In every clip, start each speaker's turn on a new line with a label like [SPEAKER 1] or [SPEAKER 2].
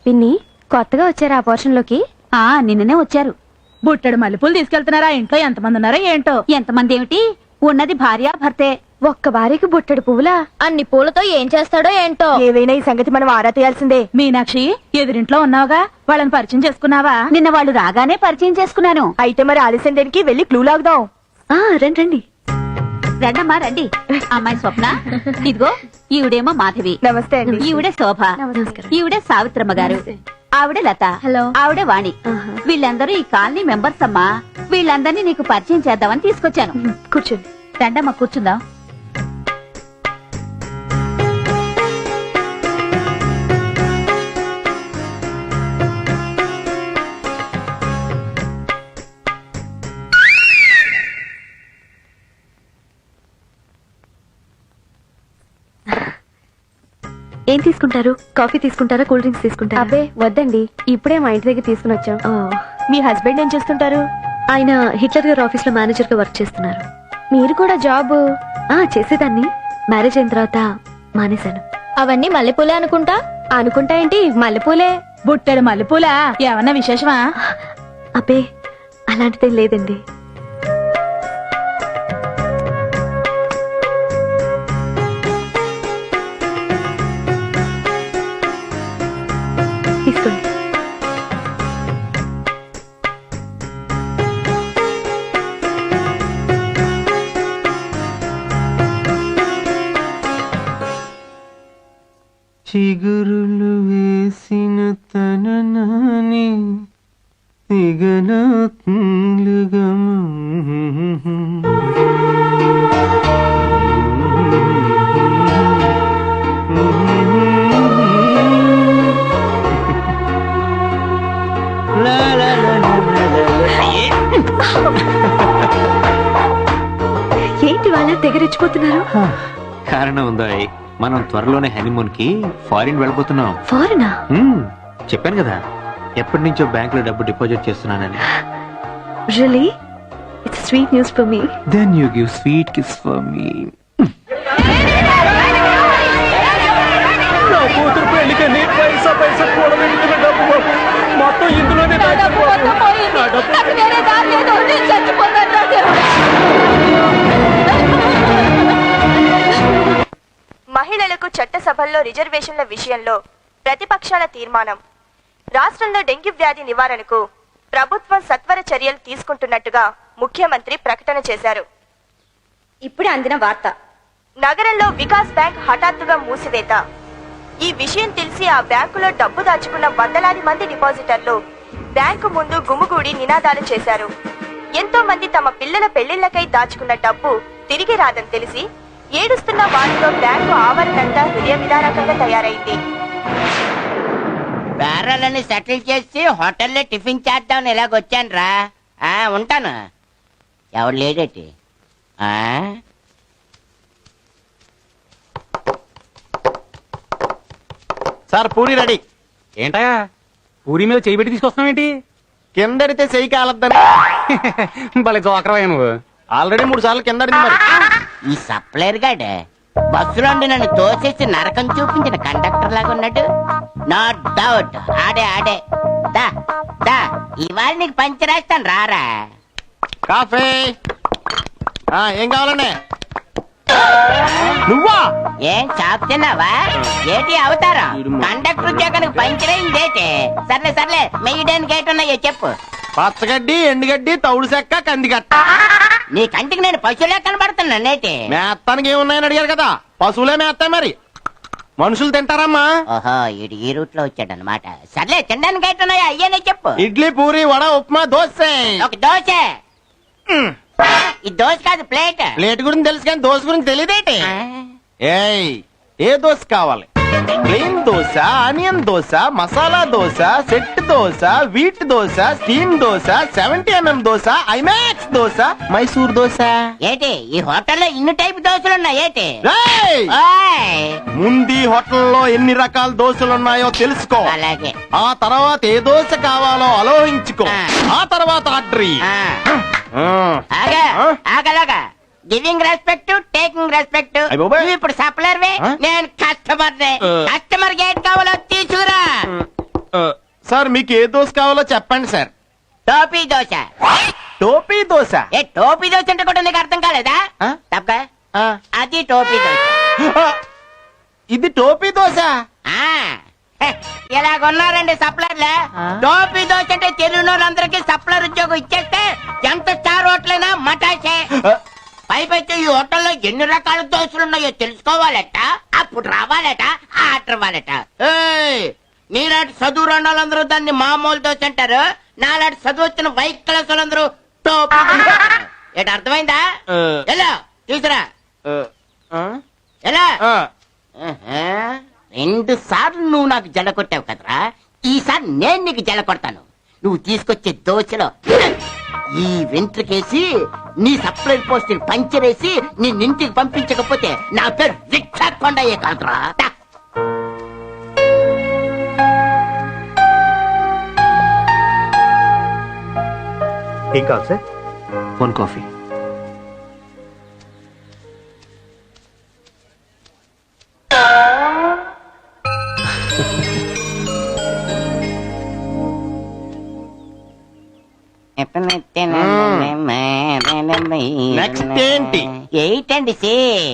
[SPEAKER 1] పిన్ని కొత్తగా వచ్చారా ఆ పోర్షన్ లోకి?
[SPEAKER 2] నిన్ననే వచ్చారు.
[SPEAKER 3] బుట్టెడు మల్లెపూలు తీసుకెళ్తున్నారా? ఇంట్లో ఎంతమంది ఉన్నారో ఏంటో.
[SPEAKER 2] ఎంతమంది ఏమిటి, ఉన్నది భార్య భర్తే.
[SPEAKER 1] ఒక్క భార్యకి బుట్టెడు పువ్వులా?
[SPEAKER 4] అన్ని పూలతో ఏం చేస్తాడో ఏంటో.
[SPEAKER 3] ఏవైనా ఈ సంగతి మనం ఆరా తీయాల్సిందే. మీనాక్షి, ఎదురింట్లో ఉన్నావుగా, వాళ్ళని పరిచయం చేసుకున్నావా?
[SPEAKER 2] నిన్న వాళ్ళు రాగానే పరిచయం చేసుకున్నాను.
[SPEAKER 3] అయితే మరి ఆలస్యం దేనికి, వెళ్ళి క్లూ లాగుదాం.
[SPEAKER 1] రండి రండి.
[SPEAKER 2] రండమ్మా రండి. అమ్మాయి స్వప్న, ఇదిగో ఈవిడేమో మాధవి.
[SPEAKER 3] నమస్తే అండి.
[SPEAKER 2] ఈవిడే శోభ.
[SPEAKER 1] నమస్కారం.
[SPEAKER 2] ఈవిడే సావిత్రమ్మ గారు. ఆవిడే లత.
[SPEAKER 1] హలో.
[SPEAKER 2] ఆవిడే వాణి. వీళ్ళందరూ ఈ కాలనీ మెంబర్స్ అమ్మా. వీళ్ళందరినీ నీకు పరిచయం చేద్దామని తీసుకొచ్చాను.
[SPEAKER 1] కూర్చోండి.
[SPEAKER 2] రండమ్మా కూర్చుందాం.
[SPEAKER 1] ఏం తీసుకుంటారు? కాఫీ తీసుకుంటారా, కూల్ డ్రింక్స్ తీసుకుంటారా? అబ్బే వద్దండి, ఇప్పుడే మా ఇంటి దగ్గర తీసుకుని వచ్చాం.
[SPEAKER 3] మీ హస్బెండ్ ఏం చేస్తుంటారు?
[SPEAKER 1] ఆయన హిట్లర్ గారి ఆఫీస్ లో మేనేజర్ గా వర్క్ చేస్తున్నారు. మీరు కూడా జాబ్? చేసేదాన్ని. మ్యారేజ్ అయిన తర్వాత మానేశాను.
[SPEAKER 4] అవన్నీ మల్లెపూలే అనుకుంటా.
[SPEAKER 1] అనుకుంటా ఏంటి, మల్లెపూలే.
[SPEAKER 3] బుట్టెడు మల్లెపూలా? ఏమన్నా విశేషమా?
[SPEAKER 1] అబ్బే అలాంటిదేం లేదండి. తీసుకోండి.
[SPEAKER 5] చిగురులు వేసిన తన నాని దిగనాత్మలుగా
[SPEAKER 1] ఏంటి వాళ్ళ తెగరెచ్చిపోతున్నారు?
[SPEAKER 5] కారణం ఉందా? మనం త్వరలోనే హనీమూన్ కి ఫారిన్ వెళ్ళిపోతున్నాం.
[SPEAKER 1] ఫారెనా?
[SPEAKER 5] చెప్పాను కదా, ఎప్పటి నుంచో బ్యాంక్ లో డబ్బు డిపాజిట్ చేస్తున్నానని.
[SPEAKER 1] Really? It's sweet news for me.
[SPEAKER 5] Then you give sweet kiss for me. నా కూతురు పెళ్లికని పైసా పైసా కూడబెట్టిన డబ్బు మొత్తం ఇందులోనే
[SPEAKER 6] మహిళలకు చట్టసభల్లో రిజర్వేషన్ల విషయంలో ప్రతిపక్షాల తీర్మానం. రాష్ట్రంలో డెంగ్యూ వ్యాధి నివారణకు ప్రభుత్వం సత్వర చర్యలు తీసుకుంటున్నట్టుగా ముఖ్యమంత్రి ప్రకటన చేశారు.
[SPEAKER 4] ఇప్పుడే అందిన వార్త.
[SPEAKER 6] నగరంలో వికాస్ బ్యాంక్ హఠాత్తుగా మూసివేత. ఈ విషయం తెలిసి ఆ బ్యాంకులో డబ్బు దాచుకున్న వందలాది మంది డిపాజిటర్లు బ్యాంకు ముందు గుమిగూడి నినాదాలు చేశారు. ఎంతో మంది తమ పిల్లల పెళ్లిళ్లకై దాచుకున్న డబ్బు తిరిగి రాదని తెలిసి ఏడుస్తున్న వారితో బ్యాంకు ఆవరణంతా హృదయ విదారకంగా తయారైంది.
[SPEAKER 7] బేరాలని సెటిల్ చేసి హోటల్లో టిఫిన్ చేద్దామని ఇలాగొచ్చాను రా. ఉంటాను. ఎవడు లేడేటి?
[SPEAKER 8] Sir puri ready.
[SPEAKER 9] ఏంటా పూరి మీద చేయి పెట్టి తీసుకొస్తున్నావేంటి?
[SPEAKER 8] కిందడితే చెయ్యి కాలద్దని.
[SPEAKER 9] భలే జోకరవయ్యా నువ్వు.
[SPEAKER 8] ఆల్రెడీ 3 సార్లు కిందడింది మరి.
[SPEAKER 7] ఈ సప్లైర్ గాడే బస్సులో నన్ను తోసేసి నరకం చూపించిన కండక్టర్ లాగా ఉన్నాడు. నో డౌట్ ఆడే దా దా ఇవాళ నీకు పంచరాస్తాను రారా.
[SPEAKER 8] కాఫీ ఏం కావాలండి? నువ్వా?
[SPEAKER 7] ఏం చాపుతున్నావా? ఏటి అవతారం? కండక్టర్ ఉద్యోగానికి పంచరైందేటి? సర్లే మెయ్యడానికి ఏటున్నాయో చెప్పు.
[SPEAKER 8] పచ్చగడ్డి, ఎండుగడ్డి, తౌడు చెక్క, కందిగట్ట.
[SPEAKER 7] నీ కంటికి నేను పశువులే కనబడుతున్నా నేటి.
[SPEAKER 8] మేత్తానికి ఏమున్నాయని అడిగారు కదా, పశువులే మేస్తాయి మరి. మనుషులు తింటారమ్మా.
[SPEAKER 7] ఓహో ఇడు ఈ రూట్ లో వచ్చాడనమాట. సర్లే తినడానికి ఏటున్నాయో అయ్యనే చెప్పు.
[SPEAKER 8] ఇడ్లీ, పూరి, వడ, ఉప్మా, దోశ.
[SPEAKER 7] ఒక దోశ. ఈ దోశ కాదు ప్లేట్.
[SPEAKER 8] ప్లేట్ గురించి తెలుసు కానీ దోశ గురించి తెలియదేటి. ఏయ్ ఏ దోశ కావాలి? Plain dosa, onion dosa, masala dosa, set dosa, wheat dosa, steam dosa, 70mm dosa, IMAX dosa, Mysore dosa.
[SPEAKER 7] ఏటి ఈ హోటల్లో ఇన్ని టైప్ దోశలు ఉన్నాయి ఏటి?
[SPEAKER 8] ముందు హోటల్లో ఎన్ని రకాల దోశలు ఉన్నాయో తెలుసుకో.
[SPEAKER 7] అలాగే.
[SPEAKER 8] ఆ తర్వాత ఏ దోశ కావాలో ఆలోచించుకో. ఆ తర్వాత ఆర్డర్.
[SPEAKER 7] ఆగలాగా గివింగ్ రెస్పెక్ట్, టేకింగ్ రెస్పెక్ట్. ఇప్పుడు సప్లర్ నేను కస్టమర్. కస్టమర్ కి ఏం కావాలో తీసుకురా.
[SPEAKER 8] సార్ మీకు ఏ దోశ కావాలో చెప్పండి సార్.
[SPEAKER 7] టోపీ దోశ.
[SPEAKER 8] టోపీ దోశ.
[SPEAKER 7] ఏ టోపీ దోశ అంటే కూడా నీకు అర్థం కాలేదా?
[SPEAKER 8] ఆ?
[SPEAKER 7] తప్పక
[SPEAKER 8] ఆ,
[SPEAKER 7] అది టోపీ దోశ.
[SPEAKER 8] ఆ, ఇది టోపీ దోశ.
[SPEAKER 7] ఆ, హె, ఇలాగున్నారండి సప్లర్లే. టోపీ దోశ అంటే తెలుగునోళ్ళందరికీ సప్లర్ ఉద్యోగం ఇచ్చేస్తే ఎంత స్టార్ హోటలైనా మటాసే. పైపెచ్చి ఈ హోటల్లో ఎన్ని రకాల దోశలు ఉన్నాయో తెలుసుకోవాలట, అప్పుడు రావాలట, ఆర్డర్ ఇవ్వాలట. ఏయ్, నీలాంటి చదువు రండాలందరూ దాన్ని మామూలు దోశ అంటారు, నాలాంటి చదువు వచ్చిన వైట్ క్లాస్ వాళ్ళందరూ టోపీ దోశ అంటారు. ఏంటి అర్థమైందా? ఎలా తీసురా ఎలా? ఆహా, 2 సార్లు నువ్వు నాకు జల కొట్టావు కదరా, ఈసారి నేను నీకు జల కొడతాను. నువ్వు తీసుకొచ్చే దోశలో ఈ వెంట్రుకేసి నీ సప్లై పోస్ట్ పంచర్ వేసి నీ ఇంటికి పంపించకపోతే నా పేరు రిక్షా కొండయ్యే కాదురా. దా.
[SPEAKER 5] ఏం కావాలి సార్? 1 కాఫీ.
[SPEAKER 8] నెక్స్ట్ ఏంటి?
[SPEAKER 7] ఏంటండి సి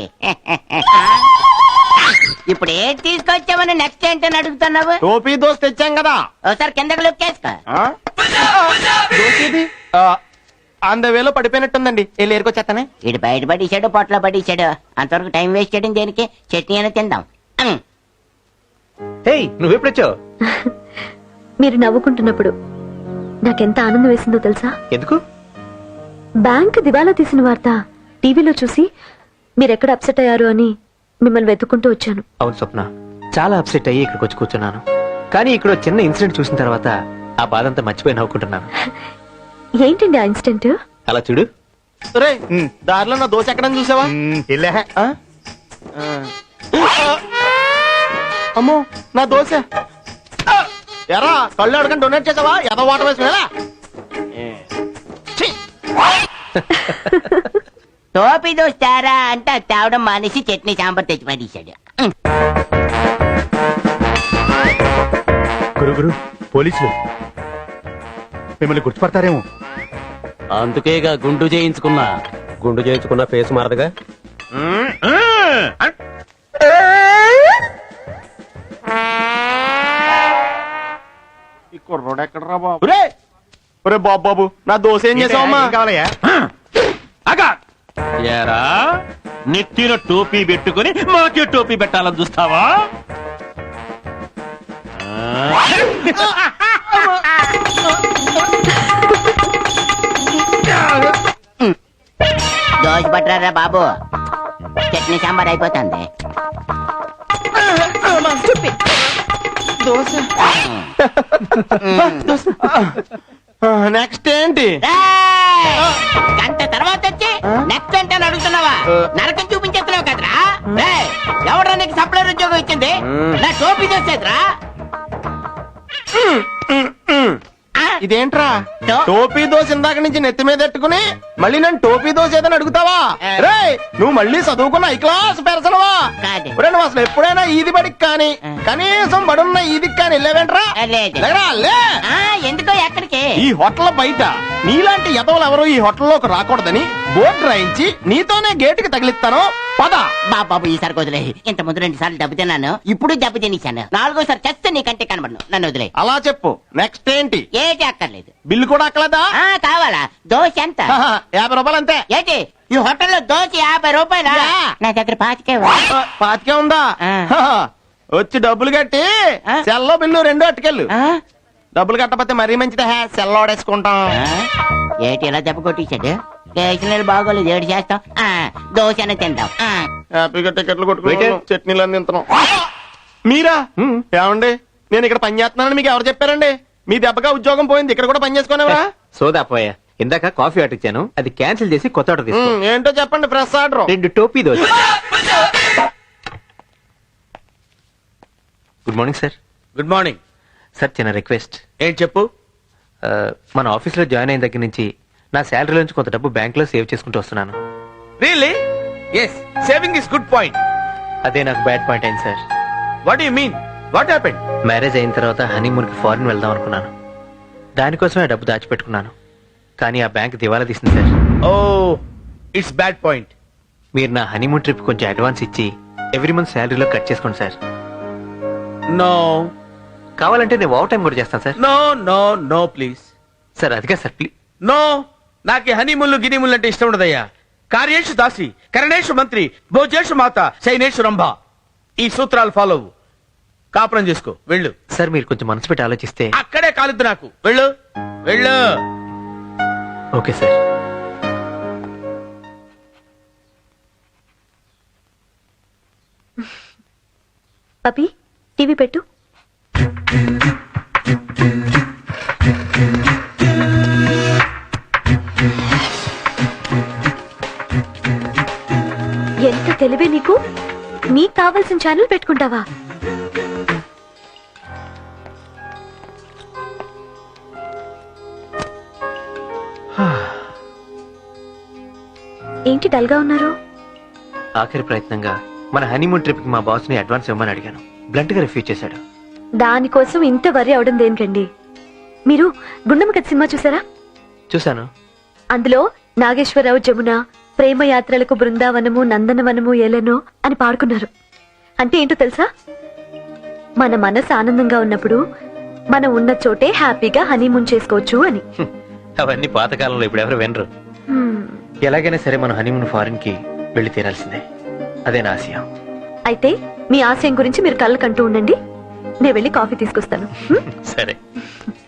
[SPEAKER 7] ఇప్పుడు ఏంటి తీసుకొచ్చామని నెక్స్ట్ ఏంటని అడుగుతున్నావు?
[SPEAKER 8] టోపీ దోశ తెచ్చాం కదా.
[SPEAKER 7] ఒకసారి కిందకి లుక్కేసుకో.
[SPEAKER 8] ఆ? దోశ ఇది? వేలో పడిపోయినట్టుందండి. వెళ్ళి ఏరుకొచ్చేస్తానే.
[SPEAKER 7] ఇటు బయట పడేసాడు, పొట్లో పడేసాడు, అంతవరకు టైం వేస్ట్ చేయడం దేనికి? చట్నీ అయినా తిందాం.
[SPEAKER 5] హే, నువ్వెప్పుడొచ్చావు?
[SPEAKER 1] మీరు నవ్వుకుంటున్నప్పుడు నాకెంత ఆనందం వేసిందో తెలుసా?
[SPEAKER 5] ఎందుకు?
[SPEAKER 1] బ్యాంక్ దివాలా తీసిన వార్త టీవీలో చూసి మీరెక్కడ అప్సెట్ అయ్యారు అని మిమ్మల్ని వెతుక్కుంటూ వచ్చాను.
[SPEAKER 5] అవును స్వప్న, చాలా అప్సెట్ అయ్యి ఇక్కడికి వచ్చి కూర్చున్నాను. కానీ ఇక్కడ చిన్న ఇన్సిడెంట్ చూసిన తర్వాత ఆ బాధ అంతా మర్చిపోయి నవ్వుకుంటున్నాను.
[SPEAKER 1] ఏంటండి ఆ ఇన్సిడెంట్?
[SPEAKER 5] అలా చూడు.
[SPEAKER 8] రే, దారిలో నా దోశ ఎక్కడని చూసావా? ఆ? అమ్మో, నా దోశ. ఎరా, కళ్ళు అడగని డొనేట్ చేసావా? ఎదో వాటర్ వేసుకునేలా.
[SPEAKER 7] టోపీ దోశ తేరా అంటే అది తేవడం మానేసి చట్నీ సాంబార్ తెచ్చి పడేశాడు.
[SPEAKER 5] గురు పోలీసులు మిమ్మల్ని గుర్తుపడతారేమో.
[SPEAKER 9] అందుకేగా గుండు చేయించుకున్నా.
[SPEAKER 5] గుండు చేయించుకున్న ఫేస్ మారదుగా.
[SPEAKER 8] ఈ కుర్రోడు ఎక్కడరా బాబు? రే, ఒరే బాబు, నా దోశ ఏం చేసావమ్మా?
[SPEAKER 5] కావాలయ్యా?
[SPEAKER 10] ఏరా, నెత్తిన టోపీ పెట్టుకుని మాకే టోపీ పెట్టాలని చూస్తావా?
[SPEAKER 7] దోశ పట్టరా బాబు, చట్నీ సాంబార్ అయిపోతుంది.
[SPEAKER 8] దోశ. నెక్స్ట్ ఏంటి?
[SPEAKER 7] గంట తర్వాత వచ్చి నెక్స్ట్ అంటే అని అడుగుతున్నావా? నరకం చూపించేస్తున్నావు కదరా. ఎవడరా నీకు సప్లై ఉద్యోగం ఇచ్చింది? నా టోపీ చేసేదిరా.
[SPEAKER 8] ఇదేంట్రా, టోపీ దోశ ఇందాక నుంచి నెత్తి మీద ఎట్టుకుని మళ్ళీ నన్ను టోపీ దోశ ఏదని అడుగుతావా? రే, నువ్వు మళ్ళీ చదువుకున్న ఐ క్లాస్ పెరసనవా?
[SPEAKER 7] కాదు.
[SPEAKER 8] నువ్వు అసలు ఎప్పుడైనా ఈది బడికి కానీ కనీసం బడున్న ఈదికి కానీ వెళ్ళావేంట్రా?
[SPEAKER 7] లేదు.
[SPEAKER 8] లేరా, లే.
[SPEAKER 7] ఎందుకో ఎక్కడికి?
[SPEAKER 8] ఈ హోటల్ బయట నీలాంటి ఎదవలు ఎవరు ఈ హోటల్లోకి రాకూడదని బోర్డు రాయించి నీతోనే గేటుకి తగిలిస్తాను. పద.
[SPEAKER 7] బాబు ఈసారి వదిలే. ఇంత ముందు 2 సార్లు దెబ్బ తిన్నాను, ఇప్పుడు దెబ్బ తినేశాను. 4గోసారి చస్తే నీకంటే కనబడను. నన్ను వదిలే.
[SPEAKER 8] అలా చెప్పు. నెక్స్ట్ ఏంటి?
[SPEAKER 7] ఏటి అక్కర్లేదు.
[SPEAKER 8] బిల్లు కూడా అక్కలేదా?
[SPEAKER 7] కావాలా? దోశ ఎంత?
[SPEAKER 8] 50 రూపాయలు అంతే.
[SPEAKER 7] ఏంటి ఈ హోటల్లో దోశ 50 రూపాయలా? నా దగ్గర 25.
[SPEAKER 8] పాతికే ఉందా? వచ్చి డబ్బులు కట్టి సెల్లో బిల్లు 2 అట్టుకెళ్ళు. డబ్బులు కట్టకపోతే మరీ మంచిదే, సెల్ ఓడేసుకుంటాం.
[SPEAKER 7] ఏటి ఇలా దెబ్బ కొట్టించాడు? స్టేషనరీ బాగోలేదు, ఏడు చేస్తాం. దోశ అనే తింటాం.
[SPEAKER 8] హ్యాపీగా టికెట్లు కొట్టుకుంటాం, చట్నీలు అన్ని తింటున్నాం. మీరా? ఏమండి, నేను ఇక్కడ పని చేస్తున్నానని మీకు ఎవరు చెప్పారండి? మీ దెబ్బగా ఉద్యోగం పోయింది, ఇక్కడ కూడా పని చేసుకునేవరా?
[SPEAKER 5] సోదా పోయా. ఇందాక కాఫీ ఆర్డర్ ఇచ్చాను, అది క్యాన్సిల్ చేసి కొత్త ఆర్డర్ తీసుకో.
[SPEAKER 8] ఏంటో చెప్పండి. Fresh order.
[SPEAKER 5] 2 టోపీ dosa. Good morning sir.
[SPEAKER 10] Good morning
[SPEAKER 5] sir, చిన్న రిక్వెస్ట్.
[SPEAKER 10] ఏంటి చెప్పు?
[SPEAKER 5] మన ఆఫీస్ లో జాయిన్ అయిన దగ్గర నుంచి నా శాలరీ నుంచి కొంత డబ్బు బ్యాంక్ లో సేవ్ చేసుకుంటూ వస్తున్నాను.
[SPEAKER 10] Really? Yes, saving is good point.
[SPEAKER 5] అదే నాకు బ్యాడ్ పాయింట్ అయింది sir.
[SPEAKER 10] What you mean?
[SPEAKER 8] What happened?
[SPEAKER 5] Marriage అయిన తర్వాత హనీమూన్కి ఫారిన్ వెళ్దాం అనుకున్నాను. దానికోసమే డబ్బు దాచిపెట్టుకున్నాను. కానీ ఆ బ్యాంక్ దివాలా తీసింది sir.
[SPEAKER 8] Oh it's bad point.
[SPEAKER 5] మీరు నా హనీమూన్ ట్రిప్ కొంచెం అడ్వాన్స్ ఇచ్చి ఎవ్రీ మంత్ శాలరీలో కట్ చేసుకోండి సార్.
[SPEAKER 8] నో
[SPEAKER 5] కావాలంటే నేను ఓవర్ టైం కూడా చేస్తాను sir.
[SPEAKER 8] No no no please.
[SPEAKER 5] Sir అదిగా సార్ ప్లీజ్.
[SPEAKER 8] నో, నాకు హనీముళ్ళు గినిముళ్ళు అంటే ఇష్టం ఉండదయ్యా. కార్యేషు దాసి, కరణేషు మంత్రి, భోజేషు మాత, శైనేషు రంభ. ఈ సూత్రాలు ఫాలో అవ్వు. కాపురం చేసుకో, వెళ్ళు.
[SPEAKER 5] సార్ మీరు కొంచెం మనసు పెట్టి ఆలోచిస్తే.
[SPEAKER 8] అక్కడే కాలుద్దు నాకు. వెళ్ళు వెళ్ళు.
[SPEAKER 5] Okay sir.
[SPEAKER 1] పపి టీవీ పెట్టు. ఎంత తెలివే నీకు. నీకు కావాల్సిన ఛానల్ పెట్టుకుంటావా? ఏంటి డల్గా ఉన్నారు?
[SPEAKER 5] ఆఖరి ప్రయత్నంగా మన హనీమూన్ ట్రిప్ కి మా బాస్ ని అడ్వాన్స్ ఇవ్వమని అడిగాను. బ్లంట్ గా రిఫ్యూజ్ చేశాడు.
[SPEAKER 1] దానికోసం ఇంత వరి అవడం దేనికండి? మీరు గుండమ్మ కథ సినిమా చూసారా?
[SPEAKER 5] చూశాను.
[SPEAKER 1] అందులో నాగేశ్వరరావు జమున ప్రేమ యాత్రలకు బృందావనము నందనవనము ఏలెనో అని పాడుకున్నారు. అంటే ఏంటో తెలుసా? మన మనసు ఆనందంగా ఉన్నప్పుడు మనం ఉన్న చోటే హ్యాపీగా హనీమూన్ చేసుకోవచ్చు అని.
[SPEAKER 5] అవన్నీ పాతకాలంలో ఇప్పుడు ఎవరు వినరు. ఎలాగైనా సరే మనం హనీమూన్ ఫారిన్ కి వెళ్లి తీరాల్సిందే. అదే నా ఆశయం.
[SPEAKER 1] అయితే మీ ఆశయం గురించి మీరు కళ్ళకంటూ ఉండండి. నేను వెళ్ళి కాఫీ తీసుకొస్తాను.
[SPEAKER 5] సరే.